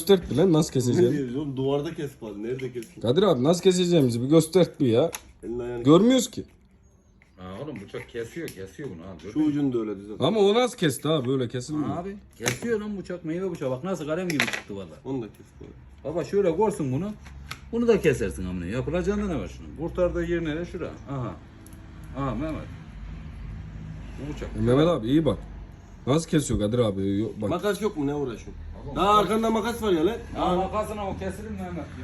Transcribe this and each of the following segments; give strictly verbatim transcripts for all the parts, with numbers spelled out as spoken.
göstert bir lan nasıl Ne keseceğim. diyoruz oğlum? Duvarda kes bari. Nerede kesin? Kadir abi nasıl keseceğimizi bir göstert bir ya. Elini ayağını. Görmüyoruz ki. Ha oğlum bıçak kesiyor kesiyor bunu abi. Şu ucunu da öyle düzelt. Ama o nasıl kesti abi böyle kesilmiyor. Abi kesiyor lan bıçak meyve bıçağı bak nasıl kalem gibi çıktı valla. Onu da kes bari. Baba şöyle korsun bunu. Bunu da kesersin amına. Yapılacağında ne var şunun? Kurtardığı yer nere? Şura. Aha. Aha Mehmet. Bu bıçak. E, Mehmet abi iyi bak. Nasıl kesiyor Kadir abi? Yok, bak. Makas yok mu? Ne uğraşıyorsun? Daha arkanda makas var ya lan. Ya makasına o kesilir mi Mehmet ya?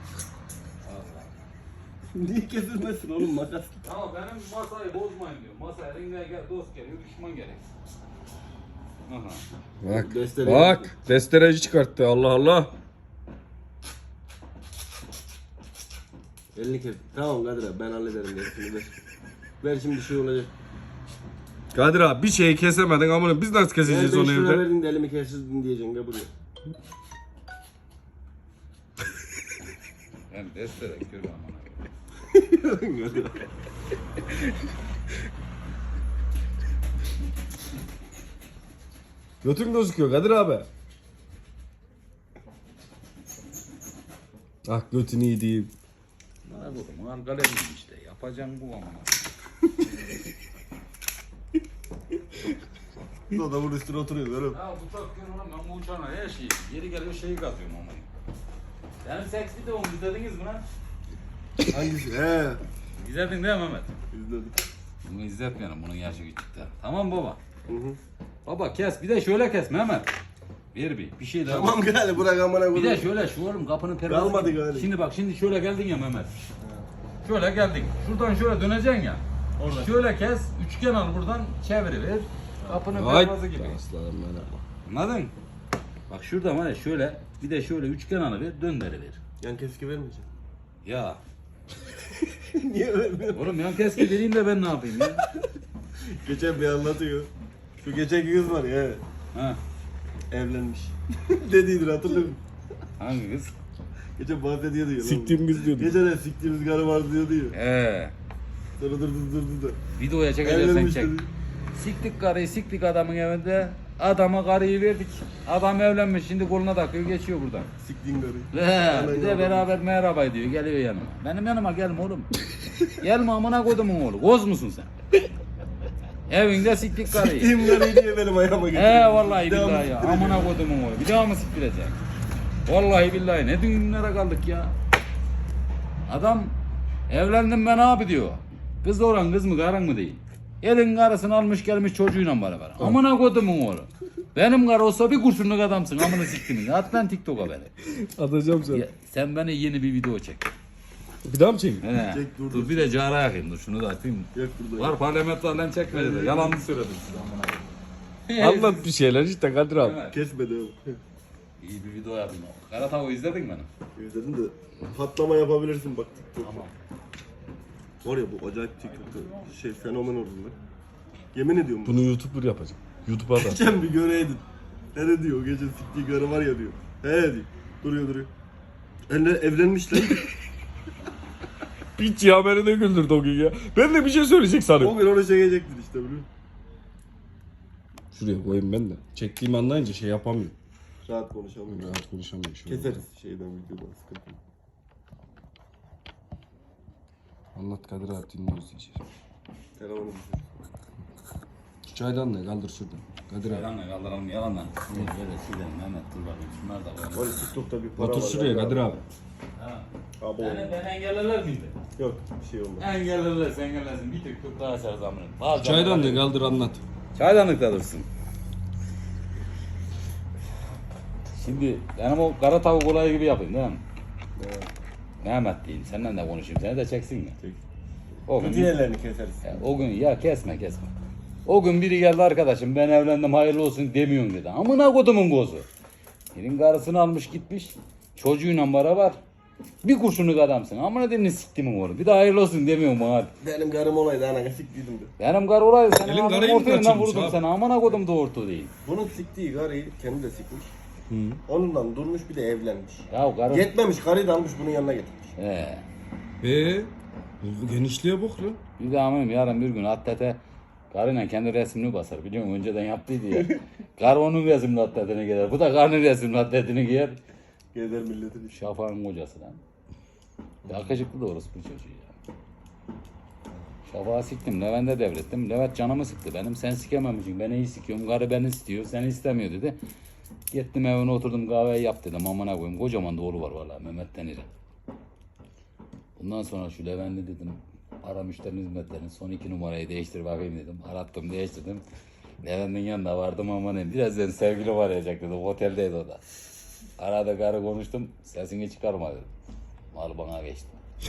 Niye kesilmesin oğlum makas? Ya benim masayı bozmayın diyor. Masa eline gel, dost geliyor, düşman gerek. Aha. Bak. Destere Bak. Destereci çıkarttı Allah Allah. Elini kes. Tamam Kadir abi ben hallederim gerisini ver. Ver şimdi şey olacak. Kadir abi bir şeyi kesemedin ama biz nasıl keseceğiz Ben onu beş lira evde? verdin de elimi kestirdin diyeceksin gel buraya. Ben destere görüyorum amına. Götün gözüküyor Kadir abi. Ah götün iyi değil. Bana bu al kalemim işte. Yapacağım bu amına. Bu adamın üstüne oturuyor oğlum. Ya bıçak görüyorum ben bu uçağına her şeyi. Yeri geliyor şeyi kazıyorum amına. Benim seks videomu izlediniz mi lan? Hangisi? He. İzledin değil mi Mehmet? İzledim. Bunu izletmeyelim bunun yaşı küçükte. Tamam baba. Hı hı. Baba kes bir de şöyle kes Mehmet. Bir bir bir şey daha. Tamam gel bırak amına Bir de koyayım. şöyle şu oğlum kapının pervazı. Kalmadı gibi. galiba. Şimdi bak şimdi şöyle geldin ya Mehmet. Şöyle geldin. Şuradan şöyle döneceksin ya. Orada. Şöyle kes. Üçgen al buradan çeviriver. Kapının Ay pervazı gibi. aslanım benim. Anladın? Bak şurada var ya şöyle bir de şöyle üçgen alıver döndürüver. Yan keski vermeyeceğim. Ya Niye vermiyorsun? oğlum yan keski vereyim de ben ne yapayım ya? Geçen bir anlatıyor. Şu geçen kız var ya Ha, evlenmiş. Dediydir hatırlıyor musun? hangi kız? Geçen bahsediyordu ya. Siktiğim kız diyordu. Geçen de siktiğimiz karı var diyordu ya. Ee, Sonra dur dur dur dur. videoya çekeceksen Evlenmiş çek. dedi. Siktik karıyı siktik adamın evinde. Adama karıyı verdik. Adam evlenmiş şimdi koluna takıyor geçiyor buradan. Siktiğin karıyı. He, bir de beraber merhaba diyor geliyor yanıma. Benim yanıma gelme oğlum. Gelme amına kodumun oğlu. Koz musun sen? Evinde siktik karıyı. Siktiğim karıyı diye benim ayağıma getirdi. He vallahi Devamlı billahi ya. siktireceğim. Amına kodumun oğlu. Bir daha mı siktirecek? Vallahi billahi ne düğünlere kaldık ya. Adam evlendim ben abi diyor. Kız olan kız mı karın mı değil. Elin karısını almış gelmiş çocuğuyla beraber. Amına kodumun oğlu. Benim karı olsa bir kurşunluk adamsın amına siktimin. At lan TikTok'a beni. Atacağım seni. Ya, sen bana yeni bir video çek. Bir daha mı çekeyim? He. Çek, dur, dur, dur. bir de cara yakayım dur şunu da atayım. Yak burada. Var parlamentolarla çekmedi de yalan mı söyledim size amına. Anlat bir şeyler işte Kadir abi. Evet. Kesmedi oğlum. İyi bir video yapayım. Kara tavuğu izledin mi beni? İzledin de patlama yapabilirsin bak. Tamam. Var ya bu acayip TikTok'ta şey fenomen oldu lan. Yemin ediyorum. Bunu YouTuber yapacağım. YouTube'a da. Geçen bir göreydin. Ne diyor o gece siktiği karı var ya diyor. He diyor. Duruyor duruyor. Elle evlenmiş lan. Piç ya beni de güldürdü o gün ya. Ben de bir şey söyleyecek sanıyorum. O gün onu çekecektin işte biliyor musun? Şuraya koyayım ben de. Çektiğimi anlayınca şey yapamıyorum. Rahat konuşamıyorum. Rahat konuşamıyorum. Şöyle. Keseriz şeyden videodan sıkıntı yok. Anlat Kadir abi dinliyoruz diyeceğiz. Telefonu düşür. Şu çaydan ne kaldır şuradan. Kadir abi. Yalanla kaldıralım yalanla. Böyle silelim Mehmet dur bakayım şunlar da koyalım. Var ya TikTok'ta bir para Otur var. şuraya ya. Kadir abi. Ha. Abi Beni, oğlum. beni engellerler miydi? Yok bir şey olmaz. Engellerler sen engellersin. Bir tek çok daha açarız amına. Çaydan ne kaldır anlat. Çaydanlıkta dursun. Şimdi benim o kara tavuk olayı gibi yapayım değil mi? Evet. Mehmet diyeyim senden de konuşayım seni de çeksin mi? Çek. O gün, Kötü yerlerini keseriz. ya, o gün ya kesme kesme. O gün biri geldi arkadaşım ben evlendim hayırlı olsun demiyorsun dedi. Amına kodumun gozu. Senin karısını almış gitmiş. Çocuğuyla beraber. Bir kurşunluk adamsın. Amına demin siktimin oğlum. Bir de hayırlı olsun demiyorum bana. Benim karım olaydı ana siktiydim de. Benim karı olaydı senin Elin ananın karıyı mı ortayından kaçırmış vurdum abi? seni. Amına kodum da orta değil. Bunun siktiği karıyı kendi de sikmiş. Hı. Onunla durmuş bir de evlenmiş. Ya karı... Yetmemiş karıyı da almış bunun yanına getirmiş. He. Eee? Bu genişliğe bak lan. Bir de amirim yarın bir gün atlete karıyla kendi resmini basar. Biliyor musun? Önceden yaptıydı ya. Karı onun resmini atletine giyer. Bu da karının resmini atletini giyer. Gezer milletin işi. Şafak'ın kocası lan. Yakışıklı da orası bu çocuğu ya. Şafak'ı siktim, Levent'e devrettim. Levent canımı sıktı benim. Sen sikememişsin, ben iyi sikiyorum. Karı beni istiyor, seni istemiyor dedi. Gittim evine oturdum, kahveyi yap dedim. Amına koyayım, kocaman da oğlu var valla, Mehmet Denir'e. Bundan sonra şu Levent'i dedim, ara müşterinin hizmetlerini, son iki numarayı değiştir bakayım dedim. Arattım, değiştirdim. Levent'in yanına vardım, amanın birazdan sevgili arayacak dedim. Oteldeydi o da. Arada karı konuştum, sesini çıkarma dedim. Mal bana geçti.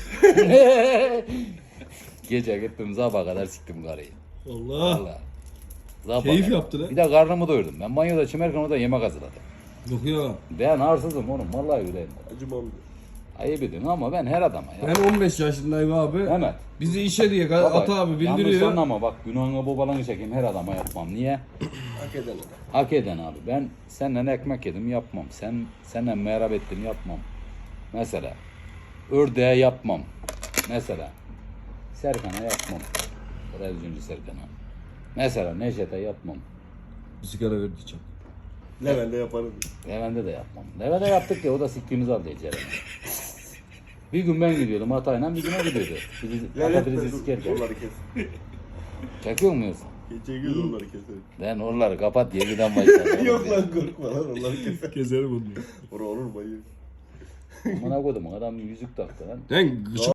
Gece gittim sabaha kadar siktim karıyı. Allah. Vallahi. Sabaha Keyif kadar. yaptı lan. Bir de karnımı doyurdum. Ben banyoda çimerken o da yemek hazırladım. Yok ya. Ben arsızım oğlum, vallahi öyleyim. Acımam. Ayıp ediyorsun ama ben her adama ya. Ben on beş yaşındayım abi. Mehmet. Bizi işe diye Baba, Ata abi yanlış bildiriyor. anlama bak, günahını babalarını çekeyim, her adama yapmam. Niye? Hak eden adam. Hak eden abi. Ben senden ekmek yedim, yapmam. Sen senden merhaba ettim, yapmam. Mesela ördeğe yapmam. Mesela Serkan'a yapmam. Televizyoncu Serkan'a. Mesela Neşet'e yapmam. Bir sigara ver diyeceğim. Levent'e yaparım. Levent'e de yapmam. Levent'e yaptık ya, o da siktiğimizi aldı içeri. Bir gün ben gidiyordum Hatay'la, bir gün o gidiyordu. Bizi patatesi sikerken. Onları kes. Çekiyor muyuz? Çekiyoruz onları keselim. Ben oraları kapat, yediden başlar. Yok lan korkma lan onları keselim. Keserim onu. Orada olur mu? Bana koydum, adam yüzük taktı lan. Lan